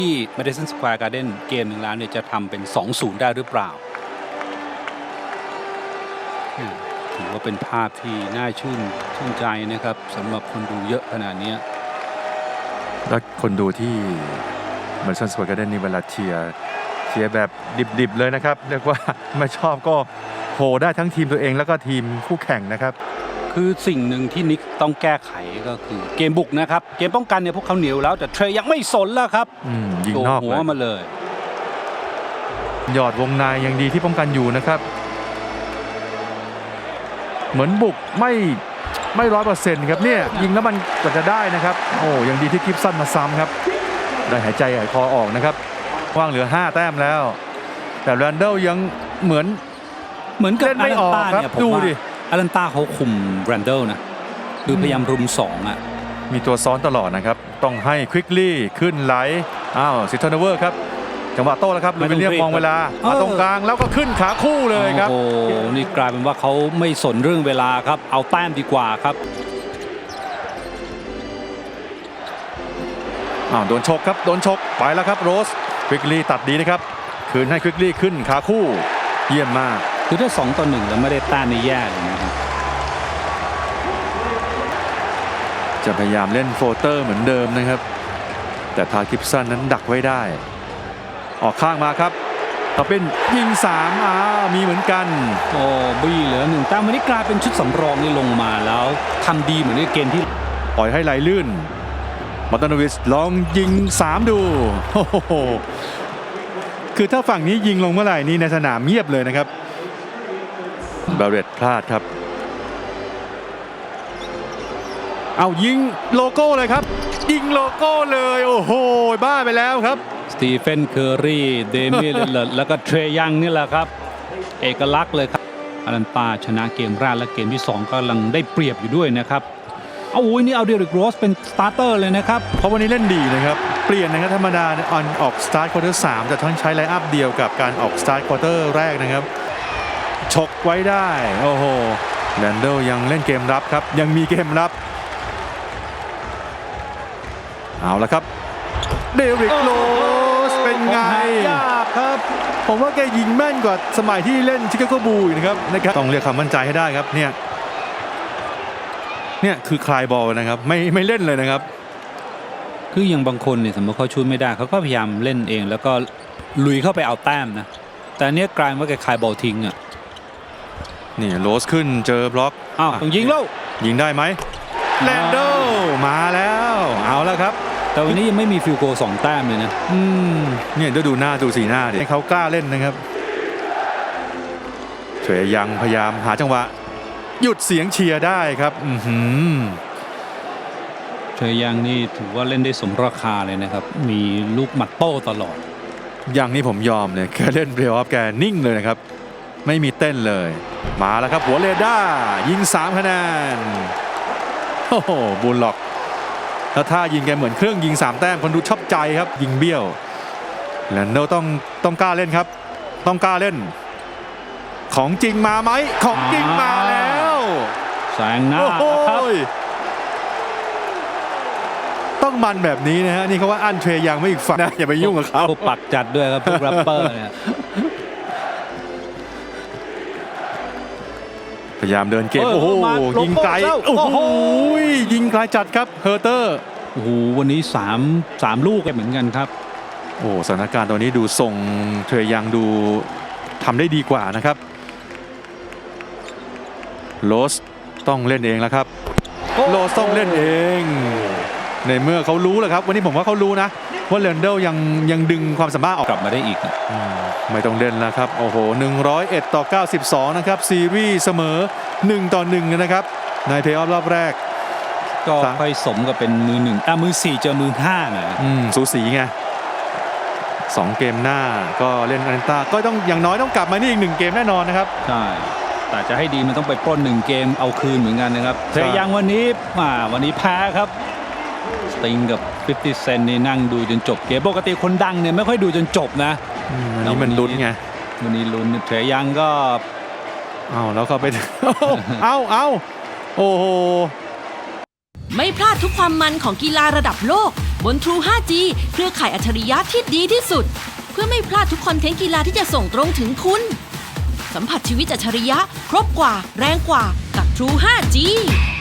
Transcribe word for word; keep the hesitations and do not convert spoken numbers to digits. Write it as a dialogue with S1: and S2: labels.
S1: ที่ Madison Square Garden เกมหนึ่งแล้วเนี่ยจะทำเป็น สองศูนย์ ได้หรือเปล่าถือว่าเป็นภาพที่น่าชื่นชื่นใจนะครับสำหรับคนดูเยอะขนาดนี้
S2: แล้วคนดูที่ Madison Square Garden นี่เวลาเชียร์เชียร์แบบดิบๆเลยนะครับเรียกว่าไม่ชอบก็โหได้ทั้งทีมตัวเองแล้วก็ทีมคู่แข่งนะครับ
S1: คือสิ่งหนึ่งที่นิกต้องแก้ไขก็คือเกมบุกนะครับเกมป้องกันเนี่ยพวกเขาเหนียวแล้วแต่เทรย์ยังไม่สนแล้วครับ
S2: ยิงนอก
S1: หัวมาเลย
S2: หยอดวงในยังดีที่ป้องกันอยู่นะครับเหมือนบุกไม่ไม่ร้อยเปอร์เซ็นต์ครับเนี่ยยิงแล้วมันก็จะได้นะครับโอ้ยังดีที่กิฟสันมาซ้ำครับได้หายใจหายคอออกนะครับว่างเหลือห้าแต้มแล้วแต่แรนเดลยังเหมือน
S1: เหมือนกับ
S2: เล่นไม่ออกครับดูดิ
S1: อารันตาเขาคุมแรนเดลนะคือพยายามรุมสองอ่ะ
S2: มีตัวซ้อนตลอดนะครับต้องให้ควิกลี่ขึ้นไหลอ้าวซิทเทนเวอร์ครับจังหวะโต้แล้วครับลูวิลเลียมมองเวลามาตรงกลางแล้วก็ขึ้นขาคู่เลยครับ
S1: โอ้นี่กลายเป็นว่าเขาไม่สนเรื่องเวลาครับเอาแต้มดีกว่าครับ
S2: อ้าวโดนชกครับโดนชกไปแล้วครับโรสควิกลี่ตัดดีนะครับคืนให้ควิกลี่ขึ้นขาคู่เยี่ยมมาก
S1: คือถ้าสองต่อหนึ่งแล้วไม่ได้แต้มนี่แย่เลยนะครับ
S2: จะพยายามเล่นโฟเตอร์เหมือนเดิมนะครับแต่ทากิฟสันนั้นดักไว้ได้ออกข้างมาครับต่อเป็นยิงสามอ่ามีเหมือนกัน
S1: โอ้บี้เหลือหนึ่งแต้มวันนี้กลายเป็นชุดสำรองนี่ลงมาแล้วทำดีเหมือนในเกมที่
S2: ปล่อยให้ไหลลื่นมาตานวิสลองยิงสามดูโอ้โหคือถ้าฝั่งนี้ยิงลงเมื่อไหร่นี้ในสนามเงียบเลยนะครับบาเรตพลาดครับเอายิงโลโก้เลยครับยิงโลโก้เลยโอ้โหบ้าไปแล้วครับ
S1: สตีเฟนเคอร์รีเดมิลเลอร์แล้วก็เทรยังนี่แหละครับเอกลักษณ์เลยครับอารันตาชนะเกมแรกและเกมที่สองกำลังได้เปรียบอยู่ด้วยนะครับเอาอุ้ยนี่เอาเดริกโรสเป็นสตาร์เตอร์เลยนะครับ
S2: เพราะวันนี้เล่นดีนะครับเปลี่ยนนะครับธรรมดาออนออกสตาร์ทควอเตอร์สามแต่ทั้งใช้ไลน์อัพเดียวกับการออกสตาร์ทควอเตอร์แรกนะครับฉกไว้ได้โอ้โหแรนเดลยังเล่นเกมรับครับยังมีเกมรับเอาละครับเดริกโรสเป็นไง
S1: ยากครับ
S2: ผมว่าแกยิงแม่นกว่าสมัยที่เล่นชิคาโกบูลนะครับนะครับต้องเรียกความมั่นใจให้ได้ครับเนี่ยเนี่ยคือคลายบอลนะครับไม่ไม่เล่นเลยนะครับ
S1: คืออย่างบางคนเนี่ยสมมติเขาชูไม่ได้เขาก็พยายามเล่นเองแล้วก็ลุยเข้าไปเอาแต้มนะแต่เนี้ยกลายว่าแกคลายบอลทิ้งอ่ะ
S2: นี่โรสขึ้นเจอบล็อก
S1: อ้าวต้องยิงแล้ว
S2: ยิงได้ไหมแลนโดมาแล้วเอาแล้วครับ
S1: แต่วันนี้ยังไม่มีฟิลโกสองแต้มเลยนะ
S2: อืมเนี่ยดูดูหน้าดูสีหน้าดิให้เขากล้าเล่นนะครับเฉยยังพยายามหาจังหวะหยุดเสียงเชียร์ได้ครับอืม
S1: เฉยยังนี่ถือว่าเล่นได้สมราคาเลยนะครับมีลูกหมัดโต้ตลอด
S2: อย่างนี้ผมยอมเนี่ยแกเล่นเพลย์ออฟแกนิ่งเลยนะครับไม่มีเต้นเลยมาแล้วครับหัวเรด้ายิงสามคะแนนโอ้โหบูลล็อกแล้วท่ายิงแกเหมือนเครื่องยิงสามแต้มคนดูชอบใจครับยิงเบี้ยวแลนโดต้องต้องกล้าเล่นครับต้องกล้าเล่นของจริงมาไหมของจริงมาแล้ว
S1: แซงหน้าครับ
S2: ต้องมันแบบนี้นะฮะนี่เขาว่าอันเทรยังไม่อีกฝั่งนะอย่าไปยุ่งกับเขา
S1: พวกปักจัดด้วยครับพวกแรปเปอร์เนี่ย
S2: พยายามเดินเกมโอ้โหยิงไกลโอ้โหยิงไกลจัดครับเฮอร์เตอร์
S1: โอ้โหวันนี้สามสามลูกเหมือนกันครับ
S2: โอ้สถานการณ์ตอนนี้ดูส่งเทรยังดูทำได้ดีกว่านะครับโรสต้องเล่นเองแล้วครับโรสต้องเล่นเองในเมื่อเขารู้แหละครับวันนี้ผมว่าเขารู้นะว่าแรนเดลยังยังดึงความสามารถออก
S1: กลับมาได้อีก
S2: ไม่ต้องเล่นแล้วครับโอ้โหหนึ่งร้อยเอ็ดต่อเก้าสิบสองนะครับซีรีส์เสมอหนึ่งต่อหนึ่งนะครับในเพลย์ออฟรอบแรก
S1: ก็ค่อยสมกับเป็นมือหนึ่งอ่ะมือสี่เจอมือห้านะ
S2: อืมสูสีไงสองเกมหน้าก็เล่นอารันตาก็ต้องอย่างน้อยต้องกลับมานี่อีกหนึ่งเกมแน่นอนนะครับ
S1: ใช่แต่จะให้ดีมันต้องไปปล้นหนึ่งเกมเอาคืนเหมือนกันนะครับเทรยังวันนี้มาวันนี้แพ้ครับสติงกับฟิฟตี้เซนนี่นั่งดูจนจบเกมปกติคนดังเนี่ยไม่ค่อยดูจนจบนะ
S2: วันนี้มันลุ้นไง
S1: วันนี้ลุ้นเทรยังก็
S2: เอาแล้วก็ไปเอาเอาโอ้โห
S3: ไม่พลาดทุกความมันของกีฬาระดับโลกบน True ไฟว์จี เครือข่ายอัจฉริยะที่ดีที่สุด เพื่อไม่พลาดทุกคอนเทนต์กีฬาที่จะส่งตรงถึงคุณ สัมผัสชีวิตอัจฉริยะครบกว่าแรงกว่ากับ True ไฟว์จี